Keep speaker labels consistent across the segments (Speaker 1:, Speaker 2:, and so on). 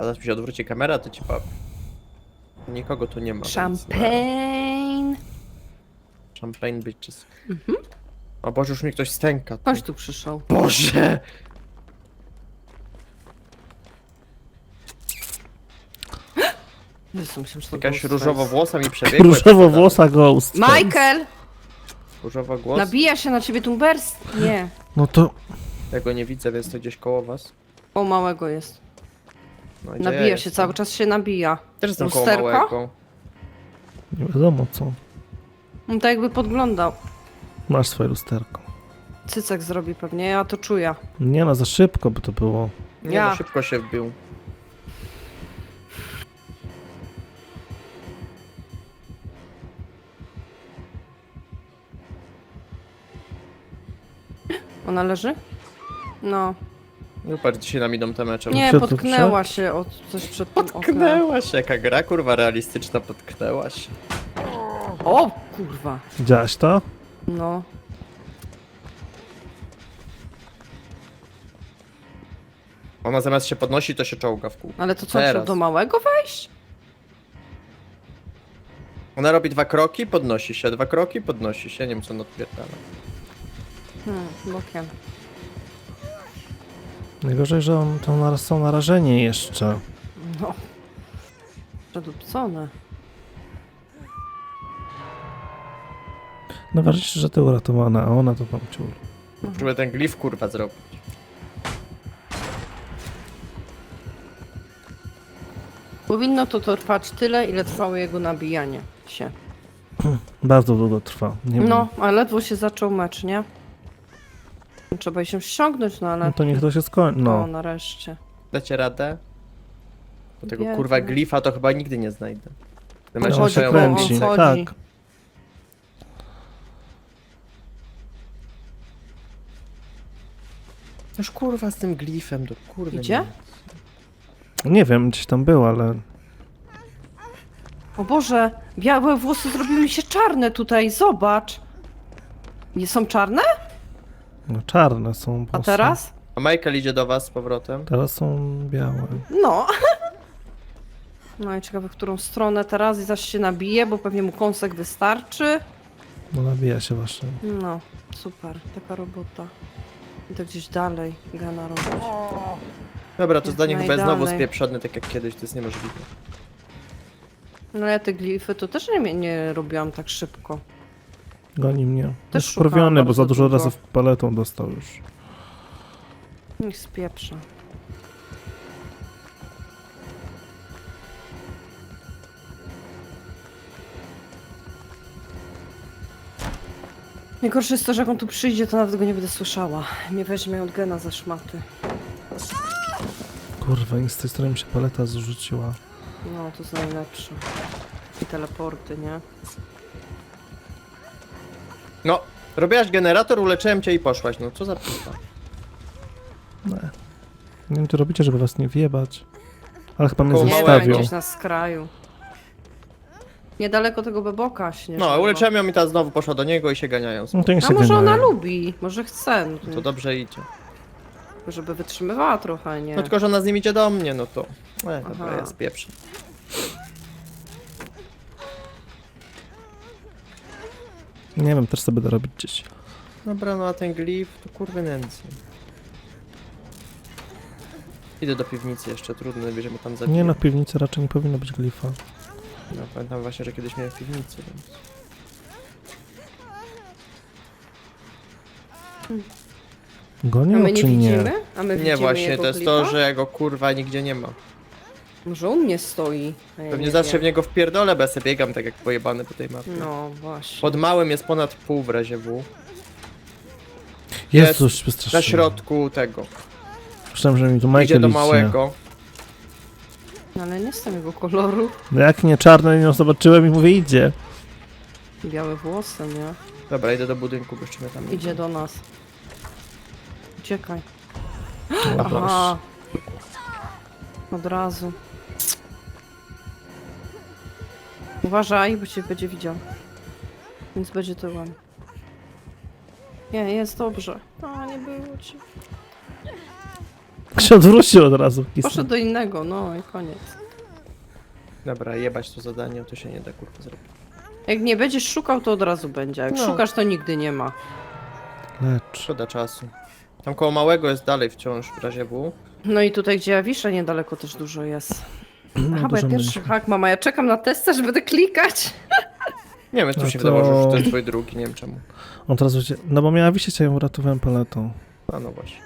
Speaker 1: zaraz mi się odwróci kamera, to ci powiem. Nikogo tu nie ma. więc,
Speaker 2: Champagne.
Speaker 1: Champagne bitches. O Boże, już mi ktoś stęka.
Speaker 2: Chodź tu przyszedł.
Speaker 1: Boże!
Speaker 2: Jezu, myślałem, że to
Speaker 1: Jakaś
Speaker 2: był
Speaker 1: różowo-włosa mi przebiegła.
Speaker 3: Różowo-włosa ghost.
Speaker 2: Michael!
Speaker 1: Różowo-głos?
Speaker 2: Nabija się na ciebie tumbers? Nie.
Speaker 3: No to...
Speaker 1: Ja go nie widzę, więc to gdzieś koło was.
Speaker 2: O, małego jest.
Speaker 1: No, gdzie
Speaker 2: Nabija
Speaker 1: ja
Speaker 2: się,
Speaker 1: jestem?
Speaker 2: cały czas się nabija.
Speaker 1: Też jestem koło
Speaker 2: Lusterko?
Speaker 1: małego.
Speaker 3: Nie wiadomo co.
Speaker 2: On tak jakby podglądał.
Speaker 3: Masz swoje lusterko.
Speaker 2: Cycek zrobi pewnie, ja to czuję.
Speaker 3: Nie no, za szybko by to było.
Speaker 1: Nie,
Speaker 2: Ja.
Speaker 1: no, szybko się wbił.
Speaker 2: Ona leży? No.
Speaker 1: No patrz, dzisiaj nam idą te mecze.
Speaker 2: Nie,
Speaker 3: Przed-
Speaker 2: potknęła się od coś przed tym oknem.
Speaker 1: Potknęła się, jaka gra kurwa realistyczna, potknęła się.
Speaker 2: O, kurwa.
Speaker 3: Widziałaś to?
Speaker 2: No.
Speaker 1: Ona zamiast się podnosi, to się czołga w kół.
Speaker 2: Ale to co,
Speaker 1: Teraz.
Speaker 2: trzeba do małego wejść?
Speaker 1: Ona robi 2 kroki, podnosi się, 2 kroki, podnosi się, nie wiem co on odpierdala.
Speaker 2: Bokiem.
Speaker 3: Najgorzej, że są narażeni jeszcze.
Speaker 2: No. Przedupcone.
Speaker 3: Najważniejsze, że ty uratowana, a ona to tam ciul.
Speaker 1: Żeby ten glif kurwa zrobić.
Speaker 2: Powinno to trwać tyle, ile trwało jego nabijanie się.
Speaker 3: Bardzo długo trwa. Nie
Speaker 2: No,
Speaker 3: wiem.
Speaker 2: a ledwo się zaczął mecz, nie? Trzeba się ściągnąć, no ale...
Speaker 3: No to niech to się skończy.
Speaker 2: No,
Speaker 3: No.
Speaker 2: nareszcie.
Speaker 1: Dacie radę? Bo tego
Speaker 2: Biedny.
Speaker 1: kurwa glifa to chyba nigdy nie znajdę. Te
Speaker 3: No,
Speaker 1: mecze
Speaker 3: on się
Speaker 1: trwają
Speaker 3: kręci.
Speaker 1: godzinę.
Speaker 2: chodzi.
Speaker 3: Tak.
Speaker 1: Noż kurwa z tym glifem, to kurwa.
Speaker 2: Idzie?
Speaker 3: Nie wiem, gdzieś tam był, ale...
Speaker 2: O Boże, białe włosy zrobiły mi się czarne tutaj, zobacz. Nie są czarne?
Speaker 3: No, czarne są.
Speaker 2: A
Speaker 3: włosy.
Speaker 2: teraz?
Speaker 1: A Michael idzie do was z powrotem.
Speaker 3: Teraz są białe.
Speaker 2: No. No i ciekawe, w którą stronę teraz i zaś się nabije, bo pewnie mu kąsek wystarczy.
Speaker 3: No nabija się właśnie.
Speaker 2: No, super, taka robota. I to gdzieś dalej gana robić.
Speaker 1: Dobra, to zdanie
Speaker 2: Jak
Speaker 1: chyba jest znowu
Speaker 2: najdalej.
Speaker 1: spieprzone, tak jak kiedyś, to jest niemożliwe.
Speaker 2: No ja te glify to też nie robiłam tak szybko.
Speaker 3: Goni mnie.
Speaker 2: Też
Speaker 3: Jest
Speaker 2: szukałam
Speaker 3: wkurwiony, bo
Speaker 2: bardzo
Speaker 3: za dużo
Speaker 2: długo.
Speaker 3: razy paletą dostał już.
Speaker 2: Niech spieprza. Najgorsze jest to, że jak on tu przyjdzie, to nawet go nie będę słyszała. Mnie weźmie od gena za szmaty.
Speaker 3: Kurwa, i z tej strony mi się paleta zrzuciła.
Speaker 2: No, to jest najlepsze. I teleporty, nie?
Speaker 1: No, robiłaś generator, uleczyłem cię i poszłaś, no co za p***a.
Speaker 3: Nie. Nie wiem, co robicie, żeby was nie wjebać. Ale chyba mnie
Speaker 1: Koło
Speaker 2: Nie,
Speaker 3: zostawił.
Speaker 2: gdzieś na skraju. Niedaleko tego beboka śnieżnego.
Speaker 1: No, uleczyłem ją i ta znowu poszła do niego i się ganiają.
Speaker 3: No to niech
Speaker 2: A
Speaker 3: się
Speaker 2: może ona
Speaker 3: ganiają.
Speaker 2: lubi, może chce, no
Speaker 1: To
Speaker 2: to,
Speaker 1: dobrze idzie.
Speaker 2: żeby wytrzymywała trochę, nie?
Speaker 1: No tylko, że ona z nim idzie do mnie, no to... dobra,
Speaker 2: Aha.
Speaker 1: jest pierwszy.
Speaker 3: Nie wiem, też sobie będę robić gdzieś.
Speaker 1: Dobra, no a ten glif to kurwy nędzy. Idę do piwnicy jeszcze, trudno, będziemy tam zabić.
Speaker 3: Nie no, w piwnicy raczej nie powinno być glifa.
Speaker 1: No, pamiętam właśnie, że kiedyś miałem w piwnicy, więc...
Speaker 2: A
Speaker 3: Gonią
Speaker 2: my nie
Speaker 3: czy nie?
Speaker 2: widzimy? A my
Speaker 1: Nie
Speaker 2: widzimy
Speaker 1: właśnie,
Speaker 2: jego
Speaker 1: to jest
Speaker 2: klipa?
Speaker 1: to, że jego kurwa nigdzie nie ma.
Speaker 2: Może on nie stoi. A ja
Speaker 1: Pewnie
Speaker 2: nie
Speaker 1: zawsze
Speaker 2: wiem.
Speaker 1: w niego wpierdolę, bo ja sobie biegam tak jak pojebany po tej mapie.
Speaker 2: No właśnie.
Speaker 1: Pod małym jest ponad pół w razie W.
Speaker 3: Jezus,
Speaker 1: Na
Speaker 3: wystraszyłem.
Speaker 1: środku tego.
Speaker 3: Myślałem, że mi tu Michael
Speaker 1: Idzie do
Speaker 3: idzie.
Speaker 1: małego.
Speaker 2: No, ale nie jestem jego koloru.
Speaker 3: No jak nie czarne, nie zobaczyłem i mówię idzie.
Speaker 2: Białe włosy, nie?
Speaker 1: Dobra, idę do budynku, bo jeszcze mnie tam nie
Speaker 2: Idzie do nas. Uciekaj.
Speaker 3: No,
Speaker 2: Aha. Od razu. Uważaj, bo cię będzie widział. Więc będzie tyłem. Nie, jest dobrze. A, nie było ci.
Speaker 3: się odwrócił od razu.
Speaker 2: Poszedł do innego, no i koniec.
Speaker 1: Dobra, jebać to zadanie, to się nie da kurwa zrobić.
Speaker 2: Jak nie będziesz szukał, to od razu będzie. Jak
Speaker 1: No.
Speaker 2: szukasz, to nigdy nie ma.
Speaker 3: Lecz.
Speaker 1: Szkoda czasu. Tam koło małego jest dalej wciąż w razie W.
Speaker 2: No i tutaj, gdzie ja wiszę, niedaleko też dużo jest.
Speaker 3: No,
Speaker 2: Aha, bo ja
Speaker 3: dużo
Speaker 2: pierwszy
Speaker 3: będzie.
Speaker 2: hak mam, a ja czekam na testa, że będę klikać.
Speaker 1: Nie wiem, tu
Speaker 3: No
Speaker 1: się
Speaker 3: to-
Speaker 1: wydawało, że to jest twój drugi, nie wiem czemu.
Speaker 3: On teraz będzie... No bo miała wisieć, a ją uratowałem paletą.
Speaker 1: A no właśnie.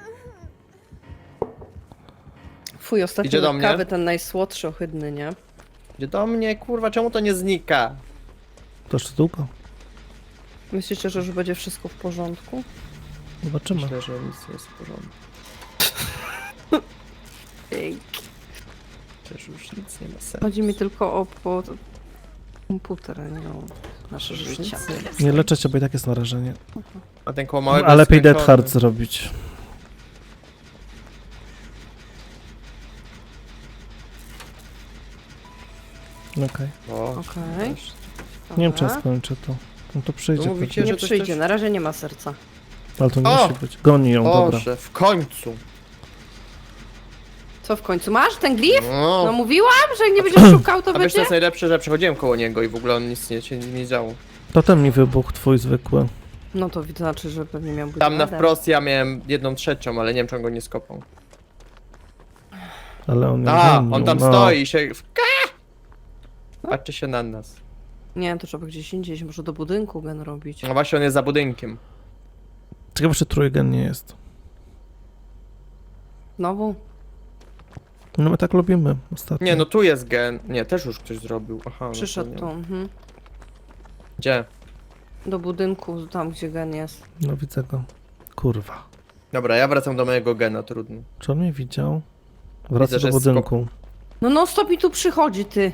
Speaker 2: Fuj, ostatni
Speaker 1: Idzie do mnie?
Speaker 2: kawy, ten najsłodszy, ohydny, nie?
Speaker 1: Idzie do mnie, kurwa, czemu to nie znika?
Speaker 3: To jeszcze długo.
Speaker 2: Myślicie, że już będzie wszystko w porządku?
Speaker 3: Zobaczymy.
Speaker 1: Myślę, że nic nie jest w porządku.
Speaker 2: Ej.
Speaker 1: Przecież już nic nie ma sensu.
Speaker 2: Chodzi mi tylko o komputer, a nie o nasze
Speaker 1: Już
Speaker 2: życie.
Speaker 1: nic nie ma
Speaker 3: Nie
Speaker 1: sensu.
Speaker 3: leczę cię, bo i tak jest narażenie.
Speaker 1: A ten koło małego
Speaker 3: A
Speaker 1: jest
Speaker 3: lepiej Dead
Speaker 1: skończony.
Speaker 3: Hard zrobić. Okej.
Speaker 1: O,
Speaker 2: Okej.
Speaker 1: też.
Speaker 3: Nie wiem, czy ja
Speaker 2: Dobra.
Speaker 3: skończę to. No to przyjdzie.
Speaker 1: No mówicie,
Speaker 3: pewnie.
Speaker 2: Nie
Speaker 1: że coś
Speaker 2: przyjdzie,
Speaker 1: też-
Speaker 2: na razie nie ma serca.
Speaker 3: Ale to nie
Speaker 1: O!
Speaker 3: musi być. Goni ją, dobra.
Speaker 1: Boże, w końcu.
Speaker 2: Co w końcu? Masz ten glif? No
Speaker 1: No,
Speaker 2: mówiłam, że jak nie będziesz szukał, to
Speaker 1: a wiesz, co
Speaker 2: będzie?
Speaker 1: jest najlepsze, że przechodziłem koło niego i w ogóle on nic nie działo.
Speaker 3: Potem mi wybuchł twój zwykły.
Speaker 2: No to znaczy, że pewnie miał być
Speaker 1: Tam na
Speaker 2: radę.
Speaker 1: wprost ja miałem 1/3, ale nie wiem, czy on go nie skopał.
Speaker 3: Ale on ją
Speaker 1: A,
Speaker 3: gonił,
Speaker 1: on tam
Speaker 3: no.
Speaker 1: stoi i się... Patrzy się na nas.
Speaker 2: Nie wiem, to trzeba gdzieś indziej, może do budynku gen robić.
Speaker 1: No właśnie, on jest za budynkiem.
Speaker 3: Ciekawe, czy trójgen nie jest.
Speaker 2: Znowu?
Speaker 3: No my tak lubimy ostatnio.
Speaker 1: Nie, no tu jest gen. Nie, też już ktoś zrobił. Aha, no to
Speaker 2: Przyszedł
Speaker 1: nie
Speaker 2: tu.
Speaker 1: ma.
Speaker 2: Mhm.
Speaker 1: Gdzie?
Speaker 2: Do budynku, tam gdzie gen jest.
Speaker 3: No widzę go. Kurwa.
Speaker 1: Dobra, ja wracam do mojego gena, trudno.
Speaker 3: Czy on mnie widział? Wraca
Speaker 1: Widzę, że
Speaker 3: do
Speaker 1: jest
Speaker 3: budynku.
Speaker 2: No non stop mi tu przychodzi, ty.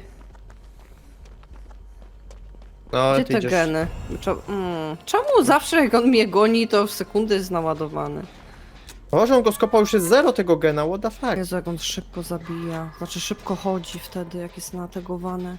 Speaker 1: No,
Speaker 2: Gdzie
Speaker 1: ty
Speaker 2: te
Speaker 1: idziesz...
Speaker 2: geny? Czemu zawsze jak on mnie goni, to w sekundę jest naładowany?
Speaker 1: Boże, on go skopał, już jest 0 tego gena, what the fuck?
Speaker 2: Jezu, jak on szybko zabija. Znaczy szybko chodzi wtedy, jak jest nategowany.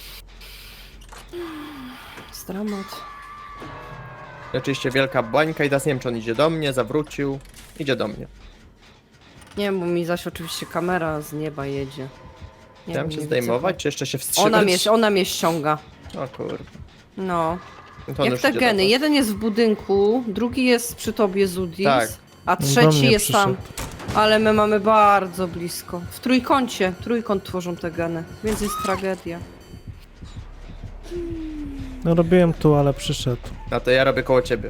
Speaker 2: Jest dramat.
Speaker 1: Oczywiście wielka bańka i teraz nie wiem, czy on idzie do mnie, zawrócił. Idzie do mnie.
Speaker 2: Nie wiem, bo mi zaś oczywiście kamera z nieba jedzie. Nie
Speaker 1: Chciałem
Speaker 2: wiem,
Speaker 1: się
Speaker 2: nie
Speaker 1: zdejmować,
Speaker 2: widzę.
Speaker 1: czy jeszcze się wstrzymać?
Speaker 2: Ona mnie ściąga.
Speaker 1: O kurwa.
Speaker 2: No.
Speaker 1: No to on
Speaker 2: Jak
Speaker 1: już
Speaker 2: te
Speaker 1: idzie do
Speaker 2: geny.
Speaker 1: was.
Speaker 2: Jeden jest w budynku, drugi jest przy tobie, Zudis,
Speaker 1: Tak.
Speaker 2: a
Speaker 3: Do
Speaker 2: trzeci
Speaker 3: mnie
Speaker 2: jest tam.
Speaker 3: przyszedł.
Speaker 2: Ale my mamy bardzo blisko. W trójkącie. Trójkąt tworzą te geny. Więc jest tragedia.
Speaker 3: No robiłem tu, ale przyszedł.
Speaker 1: A to ja robię koło ciebie.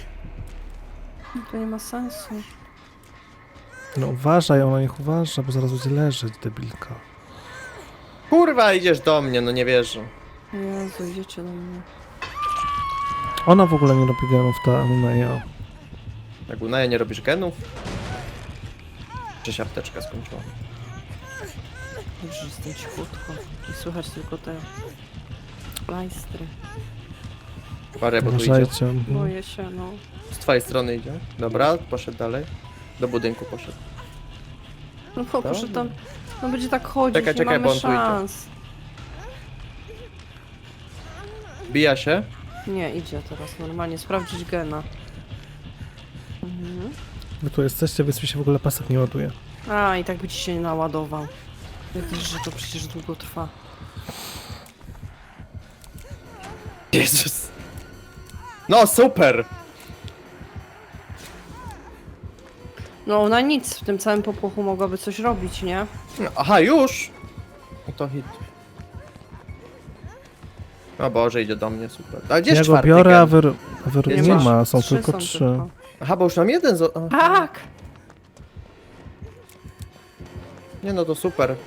Speaker 2: To nie ma sensu.
Speaker 3: No uważaj, ona niech uważa, bo zaraz będzie leżeć, debilka.
Speaker 1: Kurwa, idziesz do mnie, no nie wierzę.
Speaker 2: Jezu, idziecie do mnie.
Speaker 3: Ona w ogóle nie robi genów, ta Anuneja.
Speaker 1: Jak Unaja nie robisz genów? Czy się apteczka skończyła?
Speaker 2: Dobrze, że jestem cichutko. I słychać tylko te plajstry.
Speaker 1: Parę, bo tu idzie.
Speaker 3: Uważajcie.
Speaker 2: Boję się, no.
Speaker 1: Z twojej strony idzie. Dobra, poszedł dalej. Do budynku poszedł.
Speaker 2: No bo proszę tam... No będzie tak chodzić,
Speaker 1: Czekaj,
Speaker 2: nie
Speaker 1: czekaj,
Speaker 2: mamy
Speaker 1: bo on tu idzie.
Speaker 2: szans.
Speaker 1: Bija się.
Speaker 2: Nie, idzie teraz normalnie. Sprawdzić gena. Mhm.
Speaker 3: Wy tu jesteście, więc mi się w ogóle pasek nie ładuje.
Speaker 2: A, i tak by ci się nie naładował. Wiesz, że to przecież długo trwa.
Speaker 1: Jezus. No super!
Speaker 2: No ona nic, w tym całym popłochu mogłaby coś robić, nie?
Speaker 1: No, aha, już! No to hit. O Boże, idzie do mnie, super. A gdzie
Speaker 3: Ja
Speaker 1: jest
Speaker 3: go
Speaker 1: czwarty
Speaker 3: biorę, a
Speaker 1: gen?
Speaker 3: wy
Speaker 1: Jest
Speaker 3: nie
Speaker 1: masz.
Speaker 3: ma, są
Speaker 2: Trzy
Speaker 3: tylko
Speaker 2: są
Speaker 3: 3.
Speaker 2: tylko.
Speaker 1: Aha, bo już mam jeden
Speaker 2: Tak!
Speaker 1: Nie no, to super.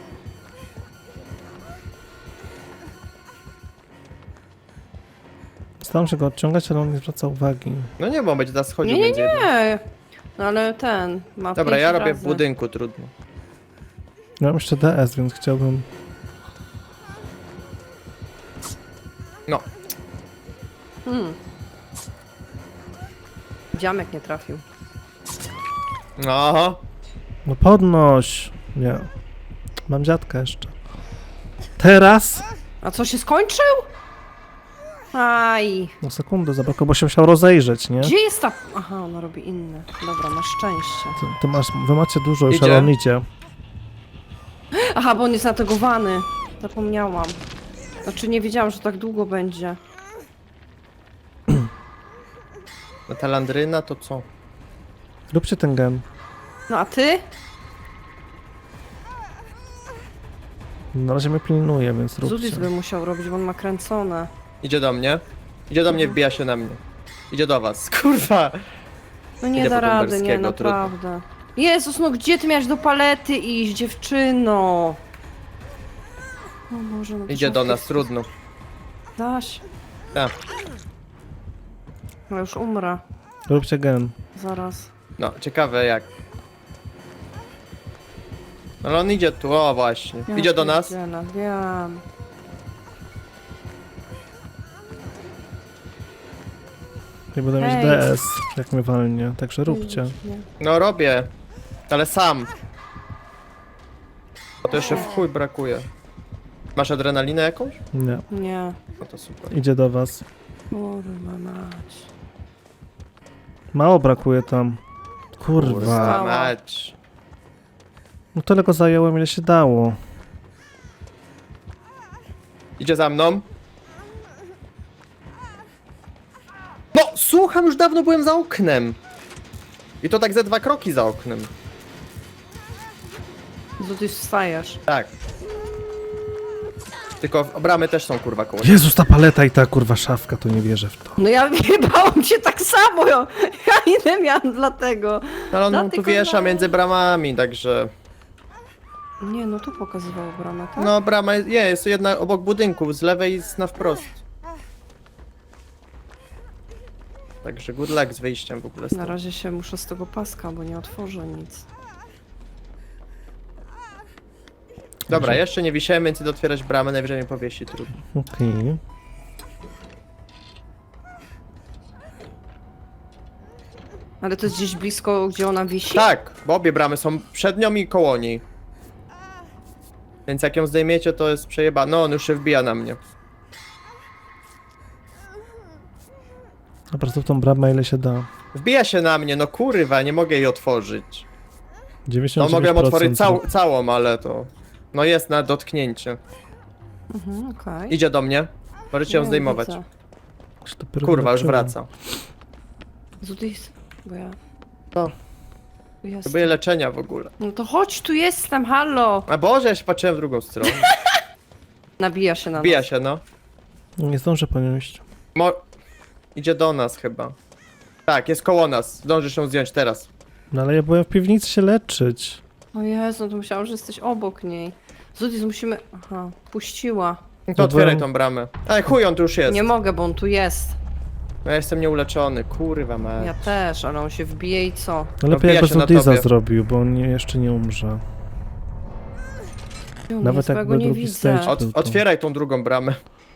Speaker 3: Staram się go odciągać, ale on nie zwraca uwagi.
Speaker 1: No nie, bo on będzie teraz schodził
Speaker 2: Nie, nie,
Speaker 1: między jednym.
Speaker 2: nie! No ale ten ma
Speaker 1: Dobra,
Speaker 2: 5
Speaker 1: ja robię
Speaker 2: razy.
Speaker 1: w budynku, trudno.
Speaker 3: Ja mam jeszcze DS, więc chciałbym...
Speaker 1: No,
Speaker 2: Dziamek nie trafił.
Speaker 1: aha.
Speaker 3: No podnoś! Nie. Mam dziadka jeszcze. Teraz?
Speaker 2: A co, się skończył? Aj.
Speaker 3: No sekundę zabrakło, bo się musiał rozejrzeć, nie?
Speaker 2: Gdzie jest ta... Aha, ona robi inne. Dobra, masz szczęście.
Speaker 3: Wy macie dużo już,
Speaker 1: Idzie.
Speaker 3: ale on idzie.
Speaker 2: Aha, bo on jest nategowany. Zapomniałam. Znaczy nie wiedziałam, że tak długo będzie.
Speaker 1: No ta landryna to co?
Speaker 3: Róbcie ten gen.
Speaker 2: No a ty?
Speaker 3: Na razie mnie pilnuje, więc róbcie.
Speaker 2: Zudis by musiał robić, bo on ma kręcone.
Speaker 1: Idzie do mnie. Idzie do mnie, wbija się na mnie. Idzie do was. Kurwa!
Speaker 2: No nie
Speaker 1: Idę
Speaker 2: da
Speaker 1: po
Speaker 2: rady, nie,
Speaker 1: Tumberskiego, trudno.
Speaker 2: naprawdę. Jezus, no gdzie ty miałeś do palety iść, dziewczyno? O Boże, no to
Speaker 1: Idzie
Speaker 2: trzeba
Speaker 1: do
Speaker 2: w
Speaker 1: nas,
Speaker 2: tej-
Speaker 1: trudno.
Speaker 2: Daś.
Speaker 1: Tak.
Speaker 2: No już umrę.
Speaker 3: Róbcie gen.
Speaker 2: Zaraz.
Speaker 1: No, ciekawe jak. Ale on idzie tu, o właśnie.
Speaker 2: Ja
Speaker 1: Idzie do nas.
Speaker 2: pierdzielę, wiem.
Speaker 3: Nie będę mieć
Speaker 2: Hej.
Speaker 3: DS, jak mnie walnie, także róbcie.
Speaker 2: Nie.
Speaker 1: No robię. Ale sam. A to jeszcze w chuj brakuje. Masz adrenalinę jakąś?
Speaker 3: Nie.
Speaker 2: Nie.
Speaker 1: No to super.
Speaker 3: Idzie do was.
Speaker 2: Kurwa mać.
Speaker 3: Mało brakuje tam. Kurwa.
Speaker 2: Kurwa.
Speaker 1: Mać.
Speaker 3: No tyle go zajęłem, ile się dało.
Speaker 1: Idzie za mną. No, słucham, już dawno byłem za oknem. I to tak ze 2 kroki za oknem.
Speaker 2: Zudis wstajesz.
Speaker 1: Tak. Tylko bramy też są kurwa koło.
Speaker 3: Jezus, ta paleta i ta kurwa szafka, to nie wierzę w to.
Speaker 2: No ja bałam się tak samo, ja inne miałam dlatego.
Speaker 1: Ale on tu
Speaker 2: Dlatego
Speaker 1: wiesza
Speaker 2: no.
Speaker 1: między bramami, także...
Speaker 2: Nie, no tu pokazywało bramę, tak?
Speaker 1: No, brama jest jedna obok budynku, z lewej jest na wprost. Także good luck z wyjściem w ogóle
Speaker 2: Na
Speaker 1: stąd.
Speaker 2: razie się muszę z tego paska, bo nie otworzę nic.
Speaker 1: Dobra, jeszcze nie wisiałem, więc idę otwierać bramę, najwyżej mnie powiesi, trudno.
Speaker 3: Okej.
Speaker 2: Ale to jest gdzieś blisko, gdzie ona wisi?
Speaker 1: Tak, bo obie bramy są przed nią i koło niej. Więc jak ją zdejmiecie, to jest przejeba. No, on już się wbija na mnie.
Speaker 3: Dobra, to w tą bramę ile się da.
Speaker 1: Wbija się na mnie, no kurwa, nie mogę jej otworzyć.
Speaker 3: 99%.
Speaker 1: No mogę otworzyć całą, ale to... No jest na dotknięcie.
Speaker 2: Mhm, okej.
Speaker 1: Idzie do mnie. Możecie ją
Speaker 2: Nie,
Speaker 1: zdejmować.
Speaker 2: widzę.
Speaker 1: Kurwa, już wraca.
Speaker 2: Zudis, bo ja...
Speaker 1: To.
Speaker 2: Tu jestem.
Speaker 1: Próbuję leczenia w ogóle.
Speaker 2: No to chodź, tu jestem, halo!
Speaker 1: A Boże, ja się patrzyłem w drugą stronę.
Speaker 2: Nabija się na
Speaker 1: Wbija
Speaker 2: nas.
Speaker 1: się, no.
Speaker 3: Nie zdążę ponieść.
Speaker 1: Idzie do nas chyba. Tak, jest koło nas. Zdążysz ją zdjąć teraz.
Speaker 3: No ale ja byłem w piwnicy się leczyć.
Speaker 2: O Jezu, to myślałam, że jesteś obok niej. Zudis, musimy... Aha, puściła.
Speaker 1: No to
Speaker 3: No
Speaker 1: otwieraj
Speaker 3: byłem-
Speaker 1: tą bramę. Ej, chuj, on tu już jest.
Speaker 2: Nie mogę, bo on tu jest.
Speaker 1: No ja jestem nieuleczony, kurwa mać.
Speaker 2: Ja też, ale on się wbije i co?
Speaker 3: No
Speaker 1: No
Speaker 3: lepiej
Speaker 1: wbija
Speaker 3: jakby
Speaker 1: się na
Speaker 3: Zudiza
Speaker 1: tobie.
Speaker 3: zrobił, bo on jeszcze nie umrze.
Speaker 2: Gdzie on
Speaker 3: Nawet
Speaker 2: jest, bo ja
Speaker 3: jakby
Speaker 2: go nie
Speaker 3: drugi
Speaker 2: widzę.
Speaker 3: stage. Był to.
Speaker 1: Otwieraj tą drugą bramę.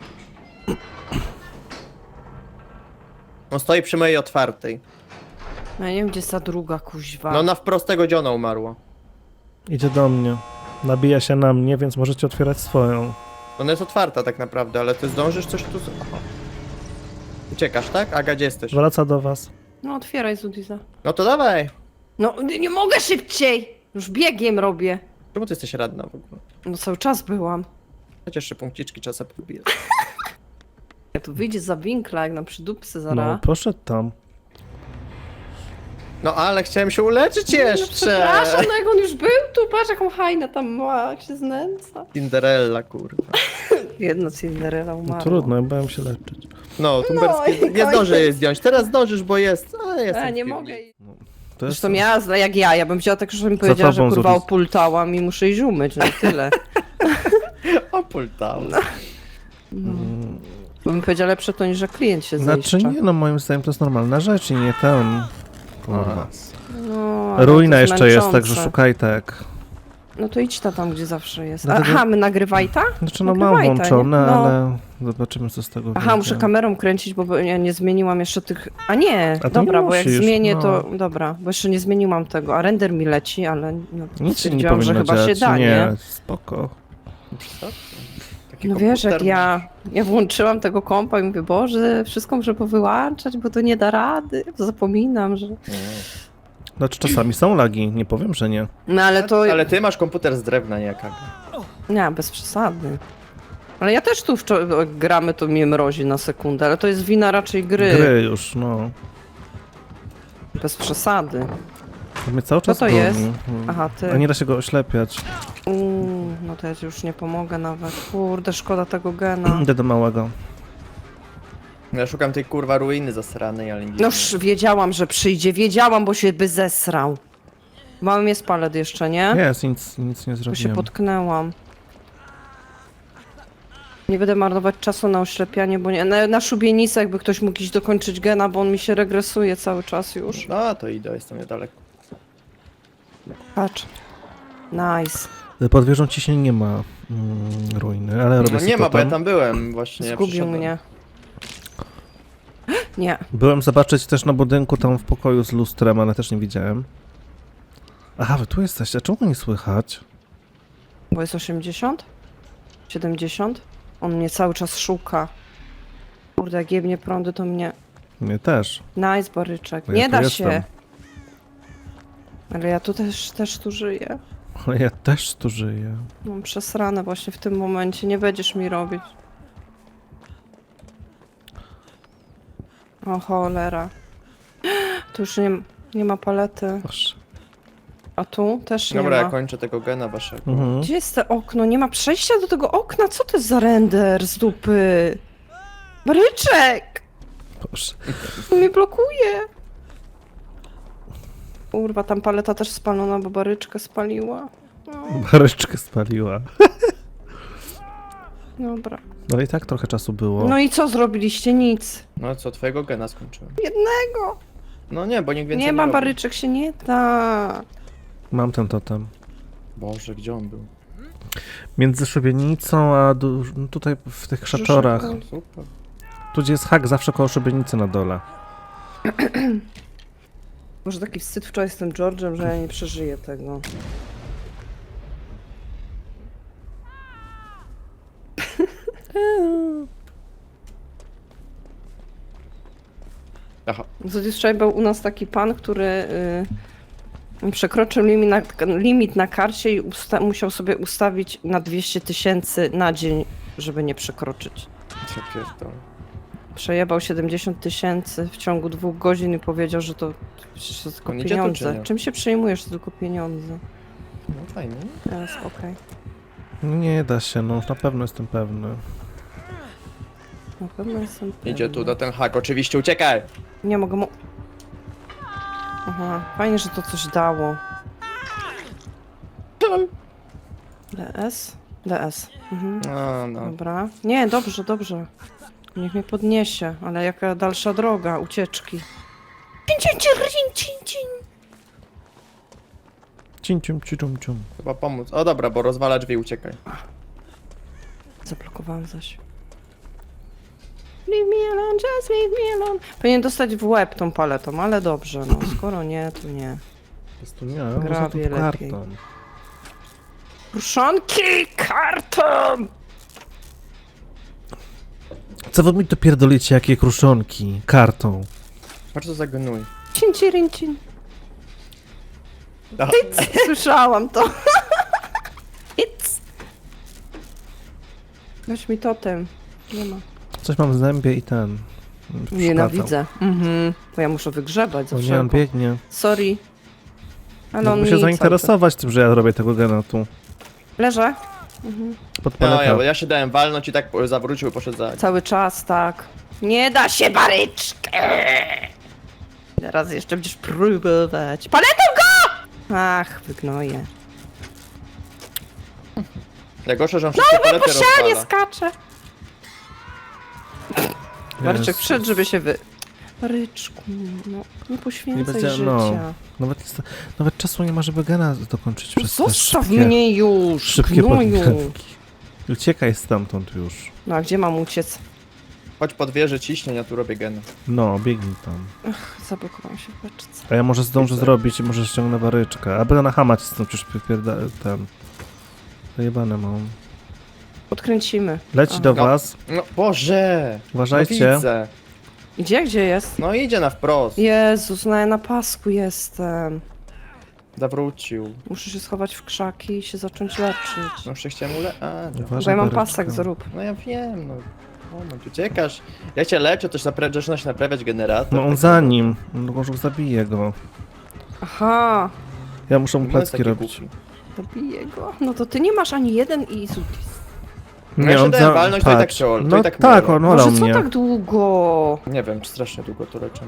Speaker 1: On stoi przy mojej otwartej.
Speaker 2: Ja nie wiem, gdzie jest ta druga kuźwa.
Speaker 1: No na wprost tego dziona umarła.
Speaker 3: Idzie do mnie. Nabija się na mnie, więc możecie otwierać swoją.
Speaker 1: Ona jest otwarta tak naprawdę, ale ty zdążysz coś tu... Aha. Uciekasz, tak? Aga, gdzie jesteś?
Speaker 3: Wraca do was.
Speaker 2: No otwieraj Zudiza.
Speaker 1: No to dawaj.
Speaker 2: No nie mogę szybciej! Już biegiem robię.
Speaker 1: Czemu ty jesteś radna w ogóle?
Speaker 2: No cały czas byłam.
Speaker 1: Chociaż jeszcze punkciczki czasem podbijesz.
Speaker 2: Ja tu wyjdzie za winkla, jak na przydupsy
Speaker 3: No,
Speaker 2: zaraz.
Speaker 3: poszedł tam.
Speaker 1: No ale chciałem się uleczyć
Speaker 2: No
Speaker 1: jeszcze!
Speaker 2: przepraszam, no jak on już był tu, patrz jaką hajnę tam ma, jak się znęca.
Speaker 1: Cinderella, kurwa.
Speaker 2: Jedna Cinderella umarła.
Speaker 3: No, trudno, ja bałem się leczyć.
Speaker 1: No, tumberskie...
Speaker 2: i
Speaker 1: nie zdążę
Speaker 2: koniec.
Speaker 1: jej zdjąć. Teraz zdążysz, bo jest... A, jestem
Speaker 2: A,
Speaker 1: w
Speaker 2: nie
Speaker 1: piwnicy.
Speaker 2: mogę.
Speaker 3: To jest...
Speaker 2: Zresztą ja, jak ja bym wzięła tak, że bym powiedziała, że
Speaker 3: tobą,
Speaker 2: kurwa
Speaker 3: Zudis.
Speaker 2: opultałam i muszę iść umyć, no i tyle.
Speaker 1: Opultał.
Speaker 2: Bo bym powiedziała lepsze to niż, że klient się
Speaker 3: Znaczy
Speaker 2: zniszcza.
Speaker 3: nie, no moim zdaniem to jest normalna rzecz i nie ten... Kurwa.
Speaker 2: No, ale
Speaker 3: Ruina
Speaker 2: to jest
Speaker 3: jeszcze jest,
Speaker 2: męczące.
Speaker 3: także szukaj tak.
Speaker 2: No to idź tam, gdzie zawsze jest.
Speaker 3: Dlatego-
Speaker 2: Aha, my nagrywaj ta?
Speaker 3: Znaczy no mam
Speaker 2: Nagrywaj ta,
Speaker 3: włączone,
Speaker 2: nie? No.
Speaker 3: ale zobaczymy co z tego
Speaker 2: Aha,
Speaker 3: wyjdzie.
Speaker 2: muszę kamerą kręcić, bo ja nie zmieniłam jeszcze tych... A nie,
Speaker 3: A to
Speaker 2: dobra,
Speaker 3: nie
Speaker 2: bo jak
Speaker 3: musisz,
Speaker 2: zmienię
Speaker 3: no.
Speaker 2: to... Dobra, bo jeszcze nie zmieniłam tego, a render mi leci, ale no,
Speaker 3: Nic się nie
Speaker 2: stwierdziłam, że
Speaker 3: powinno
Speaker 2: chyba
Speaker 3: dziać.
Speaker 2: się da, nie?
Speaker 3: Nie, spoko.
Speaker 1: Co?
Speaker 2: No wiesz, jak
Speaker 1: komputer
Speaker 2: ja włączyłam tego kompa i mówię, Boże, wszystko muszę powyłączać, bo to nie da rady. Zapominam, że...
Speaker 1: Nie.
Speaker 3: Znaczy czasami są lagi, nie powiem, że nie.
Speaker 2: No ale to...
Speaker 1: Ale ty masz komputer z drewna, nie jak Aga.
Speaker 2: Nie, bez przesady. Ale ja też tu gramy, to mnie mrozi na sekundę, ale to jest wina raczej gry.
Speaker 3: Gry już, no.
Speaker 2: Bez przesady.
Speaker 3: To mnie cały czas
Speaker 2: to
Speaker 3: goni.
Speaker 2: jest?
Speaker 3: Mm.
Speaker 2: Aha, ty.
Speaker 3: A nie da się go oślepiać.
Speaker 2: No to ja ci już nie pomogę nawet. Kurde, szkoda tego gena.
Speaker 3: Idę do małego.
Speaker 1: Ja szukam tej kurwa ruiny zasranej, ale nie.
Speaker 2: No już wiedziałam, że przyjdzie. Wiedziałam, bo się by zesrał. Małym jest palet jeszcze, nie?
Speaker 3: Jest, nic nie
Speaker 2: Tu się
Speaker 3: zrobiłem.
Speaker 2: potknęłam. Nie będę marnować czasu na oślepianie, bo nie. Na szubienicę jakby ktoś mógł iść dokończyć gena, bo on mi się regresuje cały czas już.
Speaker 1: No to idę, jestem niedaleko.
Speaker 2: Patrz. Nice.
Speaker 3: Pod wieżą ciśnień nie ma ruiny, ale robię
Speaker 1: No
Speaker 3: sobie
Speaker 1: nie ma, bo ja
Speaker 3: totem.
Speaker 1: tam byłem właśnie. ja
Speaker 2: Zgubił
Speaker 1: przyszedłem.
Speaker 2: mnie. Nie.
Speaker 3: Byłem zobaczyć też na budynku tam w pokoju z lustrem, ale też nie widziałem. Aha, wy tu jesteście, a czemu nie słychać?
Speaker 2: Bo jest 80? 70? On mnie cały czas szuka. Kurde, jak jebnie prądy, to mnie...
Speaker 3: Mnie też.
Speaker 2: Nice, baryczek.
Speaker 3: Bo ja
Speaker 2: Nie
Speaker 3: tu
Speaker 2: da
Speaker 3: jestem.
Speaker 2: się. Ale ja tu też tu żyję.
Speaker 3: Ale ja też tu żyję.
Speaker 2: Mam przesrane właśnie w tym momencie. Nie będziesz mi robić. O cholera. Tu już nie ma palety.
Speaker 3: Proszę.
Speaker 2: A tu też nie
Speaker 1: Dobra,
Speaker 2: ma.
Speaker 1: ja kończę tego gena waszego.
Speaker 3: Mhm.
Speaker 2: Gdzie jest to okno? Nie ma przejścia do tego okna? Co to jest za render z dupy? Baryczek!
Speaker 3: Proszę.
Speaker 2: On mnie blokuje. Kurwa, tam paleta też spalona, bo baryczkę spaliła. No,
Speaker 3: Baryczkę spaliła.
Speaker 2: dobra.
Speaker 3: Ale i tak trochę czasu było.
Speaker 2: No i co zrobiliście? Nic.
Speaker 1: No co, twojego gena skończyłem.
Speaker 2: Jednego.
Speaker 1: No nie, bo nikt więcej
Speaker 2: Nie ma
Speaker 1: robi.
Speaker 2: baryczek, się nie da.
Speaker 3: Mam ten totem.
Speaker 1: Boże, gdzie on był?
Speaker 3: Między szubienicą a no tutaj w tych krzaczorach.
Speaker 2: Brzuszek.
Speaker 1: Super.
Speaker 3: Tu gdzie jest hak, zawsze koło szubienicy na dole.
Speaker 2: Może taki wstyd wczoraj z tym George'em, że ja nie przeżyję tego.
Speaker 1: Aha.
Speaker 2: Wczoraj był u nas taki pan, który przekroczył limit na karcie i musiał sobie ustawić na 200 000 na dzień, żeby nie przekroczyć.
Speaker 1: Co pierdolę.
Speaker 2: Przejebał 70 000 w ciągu 2 godzin i powiedział, że to przecież to tylko
Speaker 1: On idzie tu, czy
Speaker 2: pieniądze.
Speaker 1: nie?
Speaker 2: Czym się przejmujesz? To tylko pieniądze.
Speaker 1: No fajnie.
Speaker 2: Teraz okej.
Speaker 3: Nie da się, no na pewno jestem pewny.
Speaker 2: Na pewno jestem
Speaker 1: Idzie tu
Speaker 2: pewna.
Speaker 1: na ten hak, oczywiście, uciekaj!
Speaker 2: Nie mogę mu... Aha, fajnie, że to coś dało. DS? DS. Mhm.
Speaker 1: No.
Speaker 2: Dobra. Nie, dobrze, dobrze. Niech mnie podniesie, ale jaka dalsza droga ucieczki.
Speaker 3: Cim, cium, cium, cium.
Speaker 1: Chyba pomóc. O dobra, bo rozwala drzwi, uciekaj.
Speaker 2: Zablokowałam zaś. Leave me alone, just leave me alone. Powinien dostać w łeb tą paletą, ale dobrze, no. Skoro nie, to nie.
Speaker 3: Po prostu nie,
Speaker 2: Grawie
Speaker 3: można tu
Speaker 2: lepiej.
Speaker 3: karton.
Speaker 2: Ruszonki karton!
Speaker 3: Co wy mi to pierdolicie, jakie kruszonki? Kartą.
Speaker 1: Patrz co za gnój.
Speaker 2: Cin, cirin, cin.
Speaker 1: A,
Speaker 2: Słyszałam to. It's. Weź mi totem. Nie ma.
Speaker 3: Coś mam w zębie i ten.
Speaker 2: Nienawidzę. Mhm. Bo ja muszę wygrzebać za
Speaker 3: O nie, on
Speaker 2: wszelką.
Speaker 3: biegnie.
Speaker 2: Sorry. Ale
Speaker 3: No,
Speaker 2: on
Speaker 3: muszę
Speaker 2: mi cały
Speaker 3: zainteresować tym, że ja robię tego gena tu.
Speaker 2: czas- Leżę.
Speaker 3: Pod
Speaker 1: no
Speaker 3: paletę.
Speaker 1: ja się dałem walnąć i tak zawrócił i poszedł za...
Speaker 2: Cały czas, tak. Nie da się baryczkę! Teraz jeszcze będziesz próbować. Paletą go! Ach, wygnoję.
Speaker 1: Najgorsze, że on wszystkie palety
Speaker 2: Po ścianie
Speaker 1: rozwala.
Speaker 2: skacze. Baryczek
Speaker 3: Jezus.
Speaker 2: wszedł, żeby się Baryczku, no nie poświęcaj
Speaker 3: będzie-
Speaker 2: życia.
Speaker 3: no. Nawet czasu nie ma, żeby gena dokończyć przez te
Speaker 2: Zostaw
Speaker 3: szybkie,
Speaker 2: mnie już,
Speaker 3: szybkie
Speaker 2: gnoju.
Speaker 3: podmianki. Uciekaj stamtąd już.
Speaker 2: No a gdzie mam uciec?
Speaker 1: Chodź pod wieżę ciśnień, ja tu robię gena.
Speaker 3: No, biegnij tam.
Speaker 2: Zablokowałam się w beczce.
Speaker 3: A ja może zdążę
Speaker 1: Widzę.
Speaker 3: zrobić i może ściągnę baryczkę. A będę na hama cisnął, przecież ten... Zajebane mam.
Speaker 2: Podkręcimy.
Speaker 3: Leci
Speaker 2: A.
Speaker 3: do
Speaker 1: No.
Speaker 3: was.
Speaker 1: No Boże!
Speaker 3: Uważajcie.
Speaker 1: No widzę.
Speaker 2: Gdzie jest?
Speaker 1: No idzie na wprost.
Speaker 2: Jezus, no ja na pasku jestem.
Speaker 1: Zawrócił.
Speaker 2: Muszę się schować w krzaki i się zacząć leczyć.
Speaker 1: No jeszcze chciałem A, dobra.
Speaker 2: Bo
Speaker 3: Uważaj,
Speaker 2: ja mam
Speaker 3: Baryczka.
Speaker 2: pasek, zrób.
Speaker 1: No ja wiem, no. Moment, uciekasz. Ja cię leczę, też zaczyna się naprawiać generator.
Speaker 3: No on za nim. No może zabiję go.
Speaker 2: Aha,
Speaker 3: Ja muszę mu
Speaker 1: No jest
Speaker 3: plecki
Speaker 1: taki
Speaker 3: robić.
Speaker 1: głupi.
Speaker 2: zabiję go. No to ty nie masz ani jeden i Zutis.
Speaker 1: No ja się dałem walnąć, to i tak
Speaker 3: patrz.
Speaker 1: się to
Speaker 3: No
Speaker 1: i tak
Speaker 3: tak,
Speaker 1: minęło.
Speaker 3: on olał
Speaker 2: Może co
Speaker 3: mnie.
Speaker 2: tak długo?
Speaker 1: Nie wiem, strasznie długo to leczę.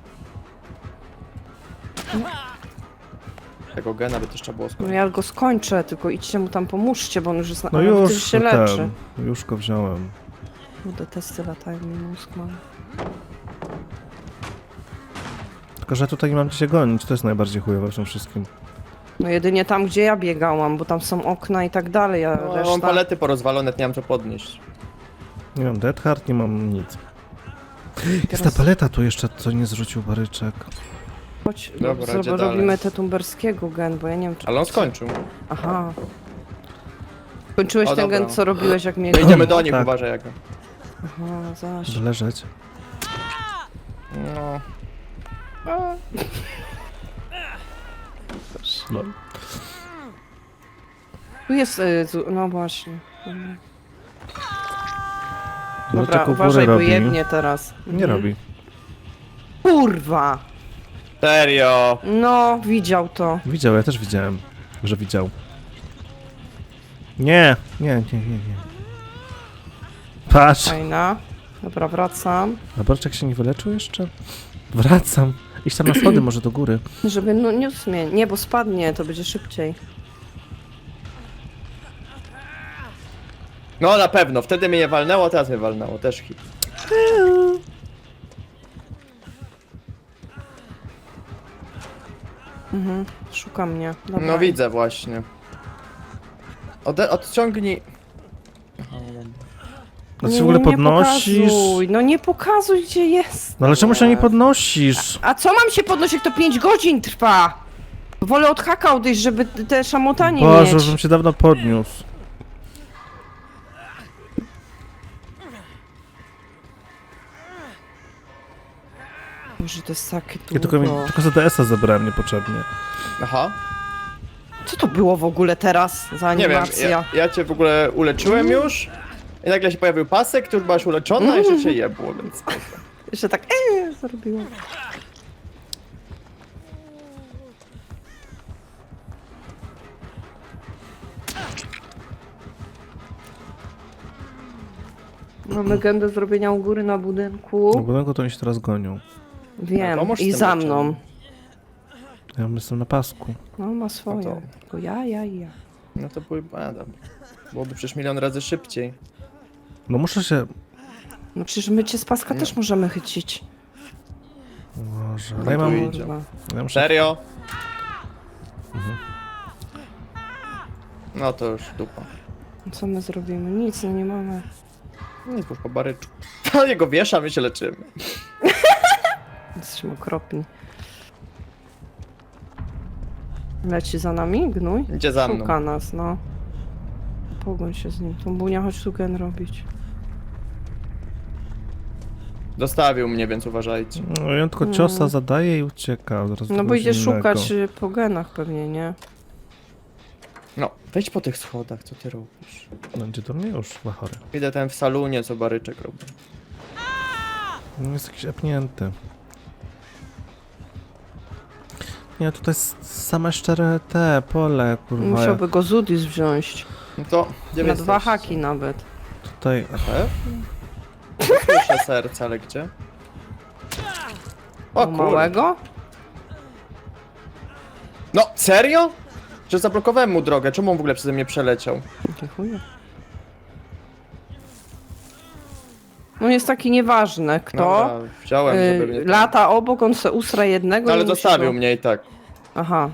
Speaker 1: Tego gena by też trzeba było
Speaker 2: No
Speaker 1: skończyć.
Speaker 2: ja go skończę, tylko idźcie mu tam pomóżcie, bo on już jest na...
Speaker 3: No
Speaker 2: a, ty
Speaker 3: już
Speaker 2: się leczy.
Speaker 3: już go wziąłem.
Speaker 2: Kurde, testy latają mi mózg mam.
Speaker 3: Tylko, że tutaj nie mam gdzie się gonić, to jest najbardziej chujowe w tym wszystkim.
Speaker 2: No jedynie tam, gdzie ja biegałam, bo tam są okna i tak dalej, a
Speaker 1: No, ja
Speaker 2: reszta...
Speaker 1: mam palety porozwalone, nie mam co podnieść.
Speaker 3: Nie mam Dead Hard, nie mam nic. Jest ta
Speaker 2: Teraz-
Speaker 3: paleta tu jeszcze, co nie zrzucił Baryczek.
Speaker 2: Chodź,
Speaker 1: Dobra, idzie dalej.
Speaker 2: robimy te tumberskiego gen, bo ja nie wiem czy...
Speaker 1: Ale on skończył.
Speaker 2: Aha. Kończyłeś
Speaker 1: O,
Speaker 2: ten
Speaker 1: dobra.
Speaker 2: gen, co robiłeś, jak mnie...
Speaker 1: To idziemy do nich,
Speaker 3: Tak.
Speaker 1: uważaj jak.
Speaker 2: Aha, zaś.
Speaker 3: Leżeć.
Speaker 1: No.
Speaker 3: No.
Speaker 2: Tu jest... no właśnie.
Speaker 3: No
Speaker 2: Dobra,
Speaker 3: tylko
Speaker 2: uważaj,
Speaker 3: górę
Speaker 2: bo
Speaker 3: robi.
Speaker 2: jebnie teraz.
Speaker 3: Nie robi.
Speaker 2: Kurwa!
Speaker 1: Serio!
Speaker 2: No, widział to.
Speaker 3: Widział, ja też widziałem, że widział. Nie. Patrz.
Speaker 2: Fajna. Dobra, wracam.
Speaker 3: A Barczek się nie wyleczył jeszcze? Wracam. Idź tam na schody, może do góry.
Speaker 2: Żeby no nie usmie. Nie, bo spadnie, to będzie szybciej.
Speaker 1: No na pewno, wtedy mnie nie walnęło, teraz mnie walnęło, też hit.
Speaker 2: Szuka mnie. Dobra.
Speaker 1: No widzę właśnie. Odciągnij. Aha, dobra.
Speaker 3: No ty się w ogóle podnosisz.
Speaker 2: Pokazuj. No nie pokazuj, gdzie jest.
Speaker 3: No ale czemu się nie podnosisz?
Speaker 2: A co mam się podnosić, jak to 5 godzin trwa? Wolę od haka odejść, żeby te szamotanie
Speaker 3: Boże,
Speaker 2: mieć.
Speaker 3: żebym się dawno podniósł.
Speaker 2: Boże, to jest takie
Speaker 3: Ja
Speaker 2: długo.
Speaker 3: tylko za DS-a zabrałem niepotrzebnie.
Speaker 1: Aha.
Speaker 2: Co to było w ogóle teraz za
Speaker 1: Nie wiem,
Speaker 2: animacja?
Speaker 1: ja cię w ogóle uleczyłem już. I nagle się pojawił pasek, ty już byłaś uleczona, a jeszcze cię jebło, więc...
Speaker 2: Jeszcze tak zrobiło. Mamy gen do zrobienia u góry na budynku.
Speaker 3: No budynku to oni się teraz gonią.
Speaker 2: Wiem,
Speaker 1: pomóż z
Speaker 2: i
Speaker 1: tym
Speaker 2: za
Speaker 1: leczeniem.
Speaker 2: mną.
Speaker 3: Ja jestem na pasku.
Speaker 2: No ma swoje.
Speaker 1: No to-
Speaker 2: Tylko ja.
Speaker 1: No to byłoby przecież milion razy szybciej.
Speaker 3: No muszę się...
Speaker 2: No przecież my cię z paska też możemy chycić.
Speaker 3: Boże,
Speaker 1: No
Speaker 3: ale ja
Speaker 1: tu
Speaker 3: mam...
Speaker 1: idzie.
Speaker 2: Kurwa.
Speaker 3: Ja muszę...
Speaker 1: Serio? No to już dupa.
Speaker 2: Co my zrobimy? Nic, no nie mamy.
Speaker 1: Nic, już po baryczku. To jego wiesza, my się leczymy.
Speaker 2: Jesteśmy okropni. Leci za nami, gnój?
Speaker 1: Idzie za mną.
Speaker 2: Szuka nas, no. Pogoń się z nim. Tą bunia chodź tu gen robić.
Speaker 1: Zostawił mnie, więc uważajcie.
Speaker 3: No ja tylko ciosa zadaje i ucieka. Zaraz
Speaker 2: No
Speaker 3: do
Speaker 2: bo idzie
Speaker 3: kogoś innego.
Speaker 2: szukać po genach pewnie, nie?
Speaker 1: No, wejdź po tych schodach, co ty robisz?
Speaker 3: Będzie do mnie już, chory.
Speaker 1: Idę ten w salunie, co baryczek robi.
Speaker 3: No jest jakiś epnięty. Nie, tutaj same szczere te pole, kurwa.
Speaker 2: Musiałby go Zudis wziąć.
Speaker 1: No to, gdzie
Speaker 2: Na
Speaker 1: wy
Speaker 2: 2
Speaker 1: jesteście?
Speaker 2: haki nawet.
Speaker 3: Tutaj...
Speaker 1: Słyszę serce, ale gdzie? O
Speaker 2: O
Speaker 1: kurde.
Speaker 2: małego?
Speaker 1: No, serio? Że zablokowałem mu drogę, czemu on w ogóle przeze mnie przeleciał?
Speaker 2: Dziękuję. No jest taki nieważny, kto.
Speaker 1: Dobra, wziąłem, żeby mnie...
Speaker 2: Lata obok, on se usra jednego
Speaker 1: No, ale
Speaker 2: i musi
Speaker 1: zostawił
Speaker 2: go...
Speaker 1: mnie i tak.
Speaker 2: Aha.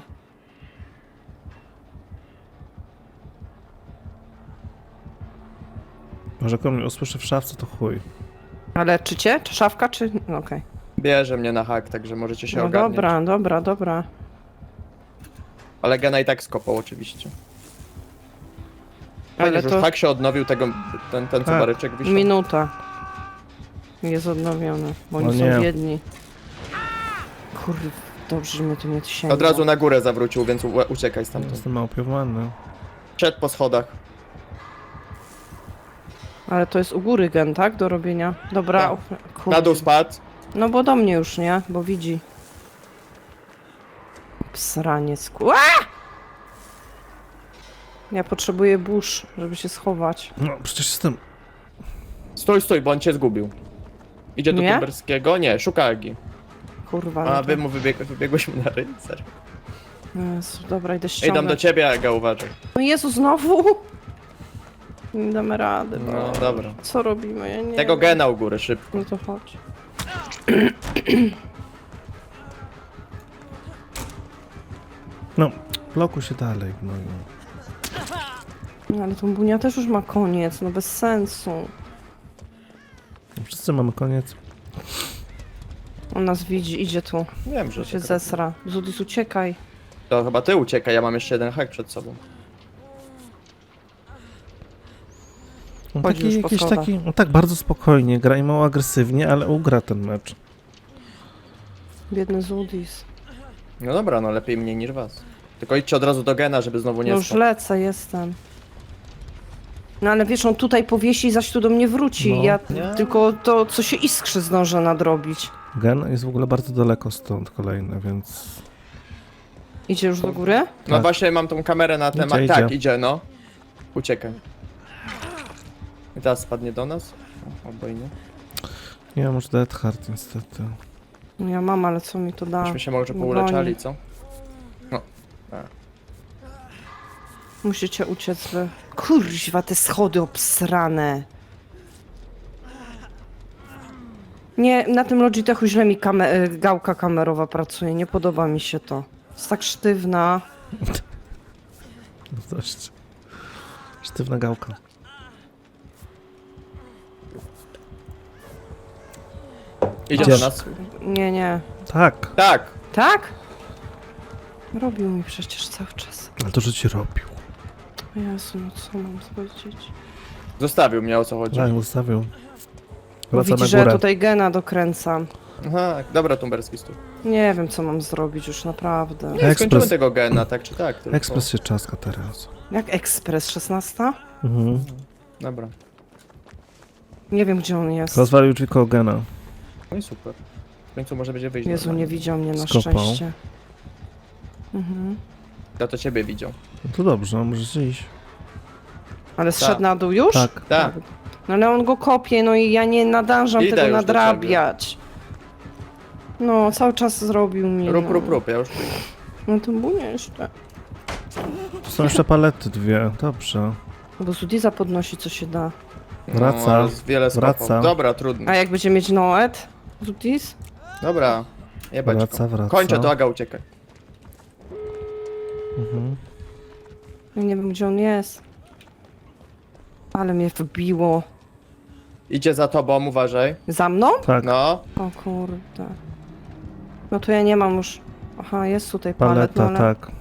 Speaker 3: Może jak on mnie usłyszy w szafce, to chuj.
Speaker 2: Ale czy cię? Czy szafka, czy... No, okej.
Speaker 1: Bierze mnie na hak, także możecie się
Speaker 2: No
Speaker 1: ogarniać.
Speaker 2: dobra.
Speaker 1: Ale gena i tak skopał oczywiście. Fajnie,
Speaker 2: Ale
Speaker 1: że
Speaker 2: to-
Speaker 1: już tak się odnowił ten co
Speaker 3: Tak.
Speaker 1: baryczek wisiał.
Speaker 2: Minuta. Jest odnowiony, bo oni
Speaker 3: O
Speaker 2: są
Speaker 3: nie.
Speaker 2: biedni. Kurde, dobrze, że mnie to nie sięga.
Speaker 1: Od razu na górę zawrócił, więc uciekaj stamtąd.
Speaker 3: Jestem małpiowany.
Speaker 1: Szedł po schodach.
Speaker 2: Ale to jest u góry gen, tak? Do robienia. Dobra.
Speaker 1: Tak.
Speaker 2: Kurde.
Speaker 1: Na dół spadł.
Speaker 2: No bo do mnie już, nie? Bo widzi. Psraniec. Ja potrzebuję burz, żeby się schować.
Speaker 3: No, przecież jestem...
Speaker 1: Stój, bo on cię zgubił. Idzie do
Speaker 2: Nie?
Speaker 1: Tumberskiego? Nie, szuka Agi.
Speaker 2: Kurwa.
Speaker 1: A
Speaker 2: no
Speaker 1: wy
Speaker 2: to-
Speaker 1: mu wybiegłeś mu na rycer.
Speaker 2: Jezu, dobra, idę
Speaker 1: Idą
Speaker 2: ściągać.
Speaker 1: do ciebie, Aga, uważaj.
Speaker 2: No Jezu, znowu? Nie damy rady.
Speaker 1: No dobra.
Speaker 2: Co robimy? Ja nie
Speaker 1: Tego
Speaker 2: wiem.
Speaker 1: gena u góry, szybko.
Speaker 2: No to chodź.
Speaker 3: No, blokuj się dalej, no.
Speaker 2: No ale tą bunia też już ma koniec, no bez sensu.
Speaker 3: Wszyscy mamy koniec.
Speaker 2: On nas widzi, idzie tu.
Speaker 1: Wiem, że
Speaker 2: Się
Speaker 1: tak.
Speaker 2: zesra. Zudis, uciekaj.
Speaker 1: To chyba ty uciekaj, ja mam jeszcze jeden hak przed sobą.
Speaker 3: On
Speaker 2: Chodzi
Speaker 3: taki,
Speaker 2: już po
Speaker 3: jakiś
Speaker 2: schodach.
Speaker 3: taki, no tak bardzo spokojnie, gra i mało agresywnie, ale ugra ten mecz.
Speaker 2: Biedny Zudis.
Speaker 1: No dobra, no lepiej mnie niż was. Tylko idźcie od razu do gena, żeby znowu
Speaker 2: No
Speaker 1: nie
Speaker 2: już
Speaker 1: spadł.
Speaker 2: lecę, jestem. No ale wiesz, on tutaj powiesi i zaś tu do mnie wróci.
Speaker 3: No.
Speaker 2: Ja
Speaker 1: Nie.
Speaker 2: tylko to, co się iskrzy, zdążę nadrobić.
Speaker 3: Gen jest w ogóle bardzo daleko stąd kolejny, więc...
Speaker 2: Idzie już do góry?
Speaker 1: No
Speaker 3: Tak.
Speaker 1: właśnie mam tą kamerę na temat.
Speaker 3: Idzie.
Speaker 1: Tak, idzie, no. Uciekaj. I teraz spadnie do nas? O, albo i nie.
Speaker 3: Nie mam już Dead Hard niestety.
Speaker 2: No ja mam, ale co mi to da?
Speaker 1: Myśmy się może
Speaker 2: Broni.
Speaker 1: pouleczali, co?
Speaker 2: Musicie uciec wy. Kurźwa, te schody obsrane. Nie, na tym Logitechu źle mi gałka kamerowa pracuje. Nie podoba mi się to. Jest tak sztywna.
Speaker 3: Dość. Sztywna gałka.
Speaker 1: Idzie
Speaker 3: Gdzież?
Speaker 1: do nas.
Speaker 2: Nie, nie.
Speaker 3: Tak,
Speaker 1: Tak!
Speaker 2: Tak? Robił mi przecież cały czas.
Speaker 3: ale to, że ci robił.
Speaker 2: Jezu, no co mam powiedzieć?
Speaker 1: Zostawił mnie, o co chodzi.
Speaker 3: Tak, ustawił.
Speaker 2: Bo
Speaker 3: Wraca
Speaker 2: widzi,
Speaker 3: na
Speaker 2: że ja
Speaker 3: górę.
Speaker 2: tutaj gena dokręcam.
Speaker 1: Aha, dobra, Tumberski stój.
Speaker 2: Nie wiem, co mam zrobić już naprawdę.
Speaker 1: Nie, skończymy
Speaker 3: Ekspres.
Speaker 1: tego gena, tak czy tak. Tylko...
Speaker 3: Ekspres się czaska teraz.
Speaker 2: Jak ekspres 16?
Speaker 3: Mhm.
Speaker 1: Dobra.
Speaker 2: Nie wiem, gdzie on jest.
Speaker 3: Rozwalił tylko Gena.
Speaker 1: No i super. W końcu może będzie wyjść.
Speaker 2: Jezu, nie widział mnie na
Speaker 3: Skopał.
Speaker 2: szczęście. Mhm.
Speaker 1: Ja to ciebie widział.
Speaker 3: No to dobrze, możesz iść.
Speaker 2: Ale zszedł na dół już?
Speaker 3: Tak.
Speaker 1: Tak.
Speaker 2: No ale on go kopie, no i ja nie nadążam
Speaker 1: Idę
Speaker 2: tego
Speaker 1: już do
Speaker 2: nadrabiać. No, cały czas zrobił mi.
Speaker 1: Rób, ja już przyjdę.
Speaker 2: No to było jeszcze.
Speaker 3: Tu są jeszcze palety dwie, dobrze.
Speaker 2: No bo Zudiza podnosi, co się da.
Speaker 3: Wraca.
Speaker 1: No, ale wiele skopał.
Speaker 3: Wraca.
Speaker 1: Dobra, trudno.
Speaker 2: A jak będzie mieć Noet? Zudiz?
Speaker 1: Dobra. Jebać
Speaker 3: Wraca,
Speaker 1: go.
Speaker 3: wraca.
Speaker 1: Kończę to, Aga, uciekaj.
Speaker 3: Mhm.
Speaker 2: Ja nie wiem, gdzie on jest. Ale mnie wbiło.
Speaker 1: Idzie za tobą, uważaj.
Speaker 2: Za mną?
Speaker 3: Tak,
Speaker 1: No.
Speaker 2: O kurde. No to ja nie mam już... Aha, jest tutaj palet, no
Speaker 3: paleta,
Speaker 2: ale
Speaker 3: tak.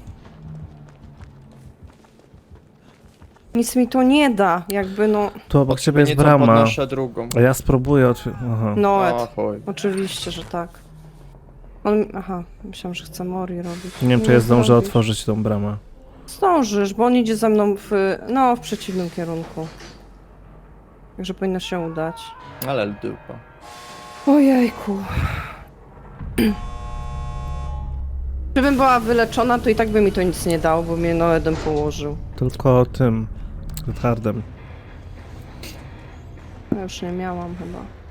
Speaker 2: nic mi to nie da. Jakby no...
Speaker 3: Tu obok ciebie jest
Speaker 1: Nieco
Speaker 3: brama.
Speaker 1: podnoszę drugą.
Speaker 3: A ja spróbuję Aha.
Speaker 2: Noet.
Speaker 1: O chuj.
Speaker 2: Oczywiście, że tak. On... Aha, myślałam, że chce Mori robić.
Speaker 3: Nie wiem, czy ja zdążę
Speaker 2: zdążysz.
Speaker 3: otworzyć tą bramę.
Speaker 2: Zdążysz, bo on idzie ze mną w przeciwnym kierunku. Także powinno się udać.
Speaker 1: Ale dupa.
Speaker 2: Ojejku. Gdybym była wyleczona, to i tak by mi to nic nie dało, bo mnie Noedem położył.
Speaker 3: Tylko tym. Hardem.
Speaker 2: Ja już nie miałam chyba.